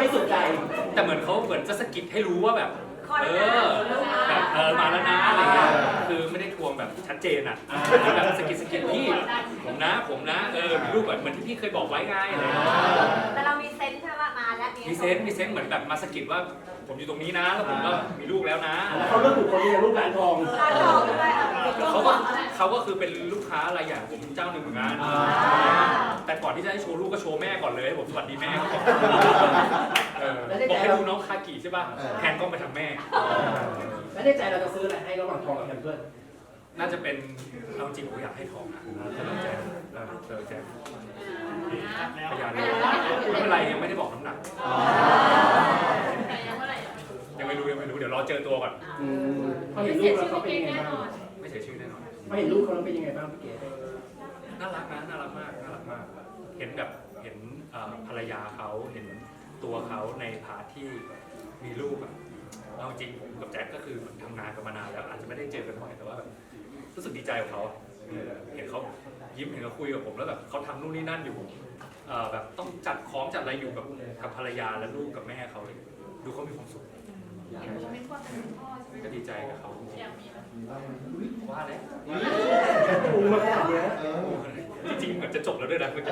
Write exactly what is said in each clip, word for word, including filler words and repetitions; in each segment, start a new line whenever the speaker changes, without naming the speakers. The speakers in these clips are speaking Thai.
ริสุทธิ์ใจ
แต่เหมือนเขาเหมือนจะสะกิดให้รู้ว่าแบบเออแบบเออมาแล้วนะอะไรเงี้ยคือไม่ได้ทวงแบบชัดเจนอ่ะแบบสะกิดสะกิดพี่ผมนะผมนะเออมีรูปแบบเหมือนที่พี่เคยบอกไว้ไงอะไรเงี้ย
แต่เรามีเซนส์ใช่ไหมมาแล้ว
มีเซนส์มีเซนส์เหมือนแบบมาสะกิดว่าผมอยู่ตรงนี้นะแล้วผมก็มีลูกแล้วนะ
แล้วเขาเลือกถูกคนนี้ลูกหลานทอง
ร้านทองด้วย
เขาก็เขาก็คือเป็นลูกค้ารายใหญ่ผมเจ้าหนึ่งเหมือนกันแต่ก่อนที่จะให้โชว์ลูกก็โชว์แม่ก่อนเลยผมสวัสดีแม่เขาบอกให้ดูน้องคากิใช่ป่ะแทนกล้องไปทางแม่
แล้วในใจเราจะซื้ออะไรให้ระหว่างทองกับแพมเพิร์ส
น่าจะเป็นเอาจริงผมอยากให้ทองนะเติมแจมเติมแจมพยานไม่เป็นไรยังไม่ได้บอกน้ำหนักยังไม่รู้ยังไม่รู้เดี๋ยวรอเจอตัวก่อน
พอเห็นลูกแล้วเขาเป็นยังไงบ้าง
ไม่เสียชื่อแน่นอน
พอเห็นลูกเขาแล้วเป็นยังไงบ้างพี่เก๋
น่ารักนะน่ารักมากน่ารักมากเห็นแบบเห็นภรรยาเขาเห็นตัวเขาในพาร์ทที่มีลูกอะเอาจริงผมกับแจ็คก็คือทำงานกันมานานแล้วอาจจะไม่ได้เจอกันบ่อยแต่ว่าแบบรู้สึกดีใจกับเขาเห็นเขายิ้มเห็นเขาคุยกับผมแล้วแบบเขาทำนู่นนี่นั่นอยู่แบบต้องจัดของจัดอะไรอยู่กับกับภรรยาและลูกกับแม่เขาดูเขามีความสุขก็ดีใจกับเขาว่าแล้วจริงๆเหมือนจะจบแล้วด้วยนะเมื่อกี้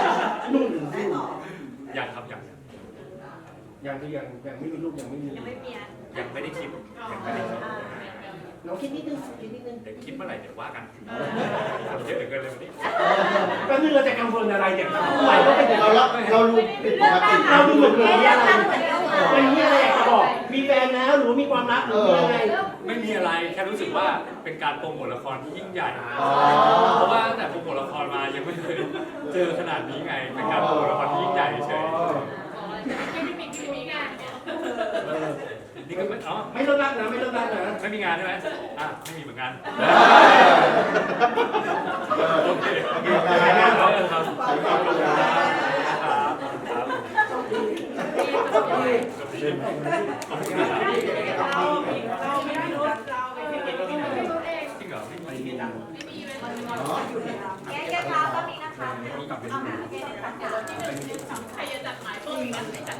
ยังครับยัง
ยังคือยังยังไม่มีลูกยังไม่มี
ยังไม่มี
ยังไม่ได้คิดยังไม่ได้คิด
เราคิดนิดนึงคิดนิดนึง
เดี๋ยวคิดเมื่อไหร่เดี๋ยวว่ากันทำเยอะเหลือเกินเลยวันนี้
ก็คือเราจะกังวลอะไรเนี่ยไหวก็เป็น
เราเราดูเป็นปกติ
เราดูเหมือนเหมือนอะไรเป็นมีอะไรอยากจะบอกมีแฟนแล้วหรือมีความรักหรือมีอะไร
ไม่มีอะไรแค่รู้สึกว่าเป็นการโปรโมทละครที่ยิ่งใหญ่เพราะว่าตั้งแต่โปรโมทละครมายังไม่เคยเจอขนาดนี้ไงเป็นการโปรโมทละครที่ยิ่งใหญ่เฉยนี่ก็ไม่อ๋อ
ไม่เลิกรักนะไม่เลิกรักนะ
ไม่มีงานใช่ไหมอ่ะไม่มีเหมือนกันโอเคโอเคครับครับจริงเหรอไม่มีนะ
แก้แก้เท้าก็มีนะคะเอาหาแก้ใครจะจัดหมายเพิ่มอีกนะ